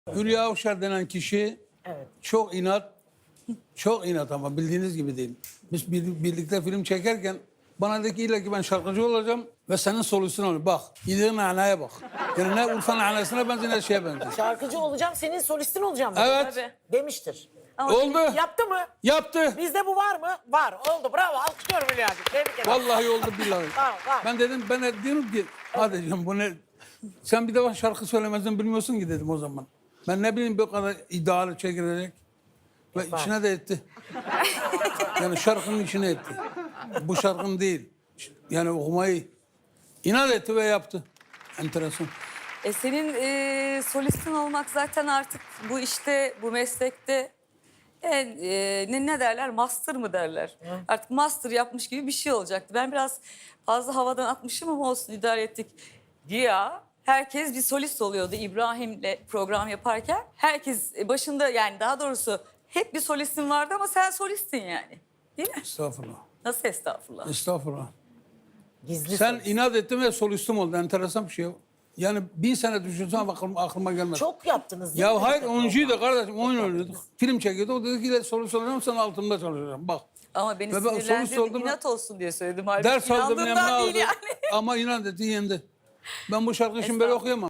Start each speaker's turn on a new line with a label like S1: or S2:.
S1: Hülya Avşar denen kişi
S2: Evet.
S1: çok inat ama bildiğiniz gibi değil. Biz birlikte film çekerken bana dedi ki illa ki ben şarkıcı olacağım ve senin solistun olacağım. Bak, yediğin nanaya bak. Yani ne Urfa nanesine benziyor ne şeye benziyor.
S2: Şarkıcı olacağım, senin solistin olacağım. dedi.
S1: Evet.
S3: Tabii.
S2: Demiştir.
S1: Oldu.
S2: Yaptı mı?
S1: Yaptı.
S2: Bizde bu var mı? Var. Oldu. Bravo. Alkışlıyorum Hülya'cığım. Tebrik ederim.
S1: Vallahi oldu billahi.
S2: Tamam, tamam.
S1: Ben dedim ben de diyorum ki hadi canım bu ne? Sen bir defa şarkı söylemezden bilmiyorsun ki dedim o zaman. Ben ne bileyim bu kadar iddialı çekilecek. Ve içine de etti. Yani şarkının içine etti. Bu şarkın değil. Yani okumayı inat etti ve yaptı. Enteresan.
S3: Senin solistin olmak zaten artık bu işte, bu meslekte ne derler? Master mı derler? Artık master yapmış gibi bir şey olacaktı. Ben biraz fazla havadan atmışım ama olsun idare ettik. Güya herkes bir solist oluyordu İbrahim'le program yaparken. Herkes başında, yani daha doğrusu hep bir solistin vardı ama sen solistin yani. Değil mi?
S1: Estağfurullah.
S3: Nasıl estağfurullah?
S1: Estağfurullah.
S2: Gizli
S1: Sen
S2: solist.
S1: inat ettin ve solistim oldu. Enteresan bir şey. Yani 1000 sene düşünsem aklıma gelmez.
S2: Çok yaptınız değil mi?
S1: Ya hayır oyuncuydu kardeşim. Oyun oynuyorduk. Film çekiyorduk. O dedi ki solist olacağım sen altımda çalışacağım. Bak.
S3: Ama beni
S1: Ve ben solist
S3: sinirlendirdi,
S1: oldum.
S3: inat olsun diye söyledim. Halbuki
S1: Ders aldım
S3: inandığımdan
S1: yanına
S3: değil
S1: aldım.
S3: yani.
S1: Ama inat etti yendi. Ben bu şarkıyı şimdi böyle okuyamam.